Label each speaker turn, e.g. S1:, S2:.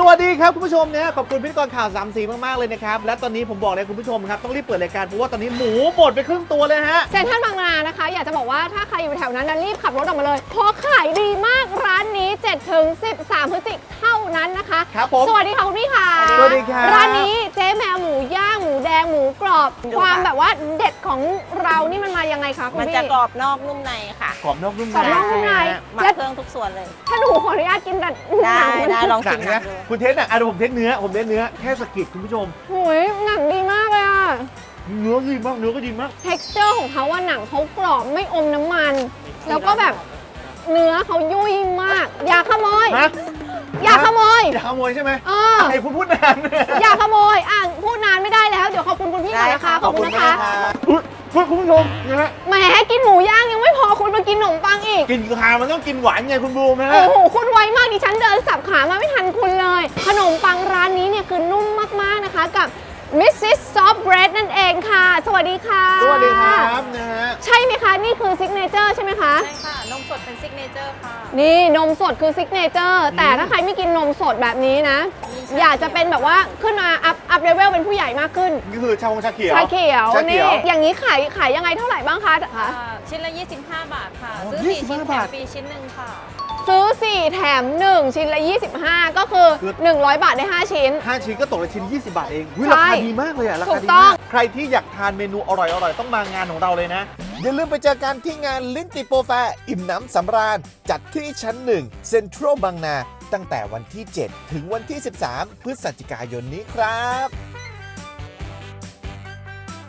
S1: วัสดีครับคุณผู้ชมเนี่ยขอบคุณพิธีกรข่าว3สีมากๆเลยนะครับและตอนนี้ผมบอกเลยคุณผู้ชมครับต้องรีบเปิดรายการเพราะว่าตอนนี้หมูหมดไปครึ่งตัวเลยฮะ
S2: เซ็นทรัลบางนานะคะอยากจะบอกว่าถ้าใครอยู่แถวนั้นนะรีบขับรถออกมาเลยเพราะขายดีมากร้านนี้7 ถึง 13 พฤศจิกายนเท่านั้นนะคะ
S1: ครับผม
S2: สวัสดีค่ะคุณพี่ค่ะ
S1: สวัสดีครับ
S2: ร้านนี้เจ๊แมวหมูย่างหมูแดงหมูกรอบความแบบว่าเด็ดของเรานี่มันมายังไงคะคุณพี่
S3: มันจะกรอบนอกนุ่มในค่ะ
S1: กรอบนอกนุ่มใน
S2: กรอบนอกนุ่มใน
S3: หมักเครื่องทุกส่วนเลย
S2: ถ้าหนูขออนุญาตกินแต่
S3: ได้ลอง
S1: หนั
S3: ชิ
S1: ง
S3: ม
S1: นะ
S3: ดู
S1: คุณเทสอ่ะผมเทสเนื้อแค่สกิดคุณผู้ชม
S2: โอ้ยหนังดีมากเลยอะ
S1: เนื้อดีมากเนื้อก็ดีมาก
S2: texture ของเขาว่าหนังเขากรอบไม่อมน้ำมัน แล้วก็แบบเนื้อเขายุ่ยมากอย่าขโมย
S1: ฮะ
S2: อย่าขโมย
S1: อย่าขโมยใช่ไหม
S2: ไ
S1: อ้คุณพูดนาน
S2: อย่าขโมยพูดนานไม่ได้แล้ว เดี๋ยวขอบคุณคุณพี่ก่อนนะคะ ขอบคุณนะคะ
S1: คุณผู้ชมนะฮะ
S2: แหมกินหมูย่างยังไม่พอคุณมากินขนมปังอีก
S1: กินคามันต้องกินหวานไงคุณบูมนะฮะ
S2: โอ้โห คุณไวมากดิฉันเดินสับขามาไม่ทันคุณเลย ขนมปังร้านนี้เนี่ยคือนุ่มมากๆนะคะกับ Mrs. Soft Bread นั่นเองค่ะ สวัสดีค่ะ
S1: สวัสดีครับนะฮะ
S2: ใช่ไหมคะ นี่คือซิกเนเจอร์ใช่ไหมคะ
S3: ใช่ค่ะ นมสดเป็นซิกเนเจอร์ค่ะ
S2: นี่นมสดคือซิกเนเจอร์แต่ถ้าใครไม่กินนมสดแบบนี้นะ อยากจะเป็นแบบว่าขึ้นมาอัพเลเวลเป็นผู้ใหญ่มากขึ้น
S1: นี่คือชาเขียว
S2: ชาเขียว
S1: ชาเขี
S2: นี่
S1: ยว
S2: อย่างนี้ขายยังไงเท่าไหร่บ้างคะ
S3: ชิ้นละ 25 บาทค่ะ
S1: อ๋อ
S3: ซื้อ 4
S1: 25
S3: ชิ้นแถ
S1: บาม ท
S3: ฟรีชิ้นหนึ่งค่ะ
S2: ซื้อ 4 แถม 1 ชิ้นละ 25 ก็คือ 100 บาทได้ 5 ชิ้น
S1: 5 ชิ้นก็ตกละชิ้น 20 บาทเองรา
S2: ใช่
S1: คาดีมากเลยอะรา
S2: ถู
S1: คาก ดี
S2: ต้อ
S1: มาง กใครที่อยากทานเมนูอร่อยๆต้องมางานของเราเลยนะ อย่าลืมไปเจอกันที่งานลิ้นติโปรแฟร์อิ่มน้ำสำราญ จัดที่ชั้น 1 เซ็นทรัลบางนา ตั้งแต่วันที่ 7 ถึงวันที่ 13 พฤศจิกายนนี้ครับ